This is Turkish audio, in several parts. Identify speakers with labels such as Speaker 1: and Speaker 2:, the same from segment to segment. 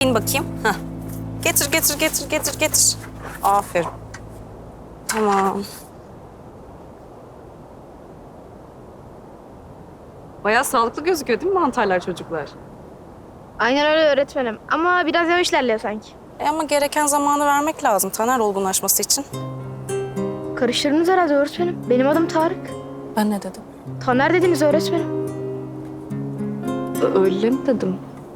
Speaker 1: Eğin bakayım. Heh. Getir, getir, getir, getir, getir. Aferin. Tamam. Bayağı sağlıklı gözüküyor değil mi mantarlar çocuklar?
Speaker 2: Aynen öyle öğretmenim. Ama biraz yavaş ilerliyor sanki.
Speaker 1: Ama gereken zamanı vermek lazım Taner olgunlaşması için.
Speaker 2: Karıştırdınız herhalde öğretmenim. Benim adım Tarık.
Speaker 1: Ben ne dedim?
Speaker 2: Taner dediniz öğretmenim.
Speaker 3: Öyle mi dedim?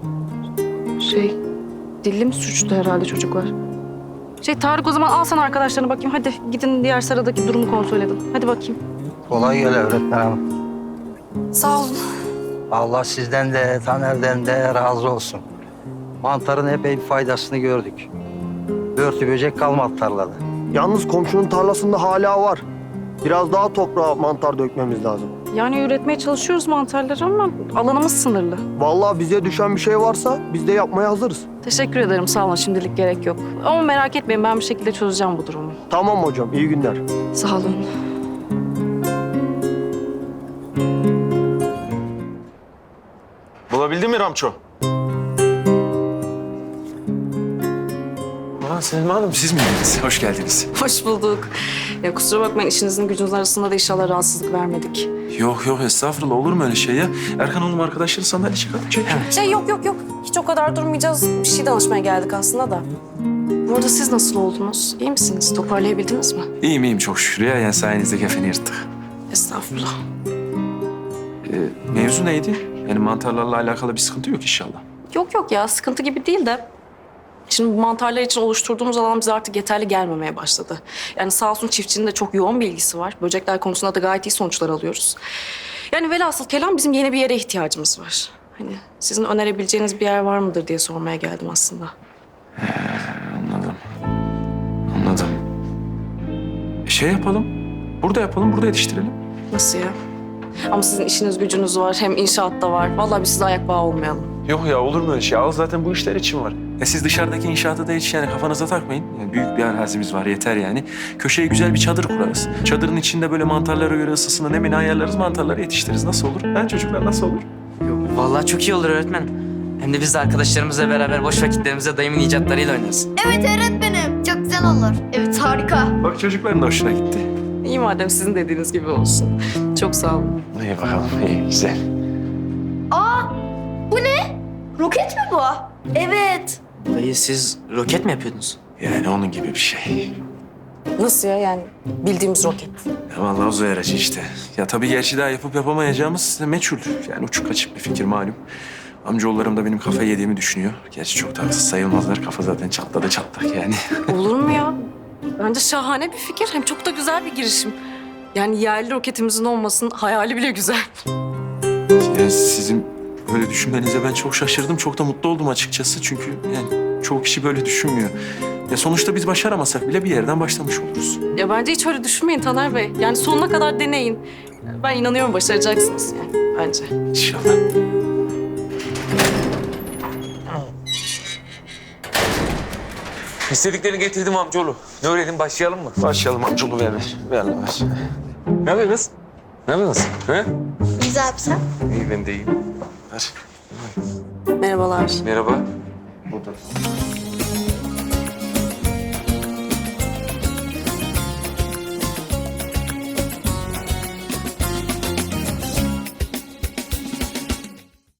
Speaker 3: Dilim suçtu herhalde çocuklar. Tarık o zaman al sen arkadaşlarına bakayım. Hadi gidin diğer sıradaki durumu kontrol edin. Hadi bakayım.
Speaker 4: Kolay gele öğretmen hanım.
Speaker 1: Sağ olun.
Speaker 4: Allah sizden de Taner'den de razı olsun. Mantarın epey bir faydasını gördük. Börtü böcek kalmadı tarlada.
Speaker 5: Yalnız komşunun tarlasında hala var. Biraz daha toprağa mantar dökmemiz lazım.
Speaker 3: Yani üretmeye çalışıyoruz mantarları ama alanımız sınırlı.
Speaker 5: Vallahi bize düşen bir şey varsa biz de yapmaya hazırız.
Speaker 3: Teşekkür ederim sağ olun şimdilik gerek yok. Ama merak etmeyin ben bir şekilde çözeceğim bu durumu.
Speaker 5: Tamam hocam, iyi günler.
Speaker 3: Sağ olun.
Speaker 6: Bulabildin mi Ramço? Selma Hanım siz miydiniz? Hoş geldiniz.
Speaker 1: Hoş bulduk. Ya kusura bakmayın işinizin gücünüzün arasında da inşallah rahatsızlık vermedik.
Speaker 6: Yok estağfurullah olur mu öyle şey ya? Erkan oğlum arkadaşları sandalye çıkartıp çek.
Speaker 1: Yok. Hiç o kadar durmayacağız. Bir şey danışmaya geldik aslında da. Bu arada siz nasıl oldunuz? İyi misiniz? Toparlayabildiniz mi?
Speaker 6: İyiyim çok şükür ya. Yani sayenizde kefeni yırttık.
Speaker 1: Estağfurullah.
Speaker 6: Mevzu neydi? Yani mantarlarla alakalı bir sıkıntı yok inşallah.
Speaker 1: Yok ya sıkıntı gibi değil de. Şimdi bu mantarlar için oluşturduğumuz alan bize artık yeterli gelmemeye başladı. Yani sağ olsun çiftçinin de çok yoğun bir ilgisi var. Böcekler konusunda da gayet iyi sonuçlar alıyoruz. Yani velhasıl kelam bizim yeni bir yere ihtiyacımız var. Hani sizin önerebileceğiniz bir yer var mıdır diye sormaya geldim aslında.
Speaker 6: Anladım. Şey yapalım. Burada yapalım, burada yetiştirelim.
Speaker 1: Nasıl ya? Ama sizin işiniz gücünüz var, hem inşaat da var. Vallahi biz size ayak bağı olmayalım.
Speaker 6: Yok ya olur mu öyle şey? Al zaten bu işler için var. Siz dışarıdaki inşaata da hiç yani kafanıza takmayın. Yani büyük bir arazimiz var yeter yani. Köşeye güzel bir çadır kurarız. Çadırın içinde böyle mantarlara göre ısısını nemini ayarlarız. Mantarları yetiştiririz. Nasıl olur? Ha çocuklar nasıl olur?
Speaker 7: Vallahi çok iyi olur öğretmen. Hem de biz de arkadaşlarımızla beraber boş vakitlerimizde dayımın icatlarıyla oynarız.
Speaker 2: Evet öğretmenim. Çok güzel olur. Evet harika.
Speaker 6: Bak çocukların da hoşuna gitti.
Speaker 1: İyi madem sizin dediğiniz gibi olsun. Çok sağ olun.
Speaker 6: İyi bakalım. İyi güzel.
Speaker 2: Roket mi bu? Evet.
Speaker 7: Dayı siz roket mi yapıyordunuz?
Speaker 6: Yani onun gibi bir şey.
Speaker 1: Nasıl ya yani bildiğimiz roket?
Speaker 6: Ya vallahi uzay aracı işte. Ya tabii gerçi daha yapıp yapamayacağımız meçhul. Yani uçuk kaçık bir fikir malum. Amcaoğullarım da benim kafayı yediğimi düşünüyor. Gerçi çok da haksız sayılmazlar. Kafa zaten çatladı çatlak yani.
Speaker 1: Olur mu ya? Bence şahane bir fikir. Hem çok da güzel bir girişim. Yani yerli roketimizin olmasının hayali bile güzel.
Speaker 6: Yani sizin böyle düşünmenize ben çok şaşırdım. Çok da mutlu oldum açıkçası. Çünkü yani çoğu kişi böyle düşünmüyor. Ya sonuçta biz başaramasak bile bir yerden başlamış oluruz.
Speaker 1: Ya bence hiç öyle düşünmeyin Taner Bey. Yani sonuna kadar deneyin. Ben inanıyorum başaracaksınız yani bence.
Speaker 6: İnşallah.
Speaker 8: İstediklerini getirdim amcaoğlu. Ne öğrenin başlayalım mı?
Speaker 6: Başlayalım amcaoğlu ver. Ver.
Speaker 8: Ne yapıyorsunuz? Ne yapıyorsunuz? He?
Speaker 2: İyiyiz abi sen.
Speaker 8: İyi ben de iyiyim.
Speaker 6: Ver.
Speaker 1: Merhabalar.
Speaker 8: Merhaba.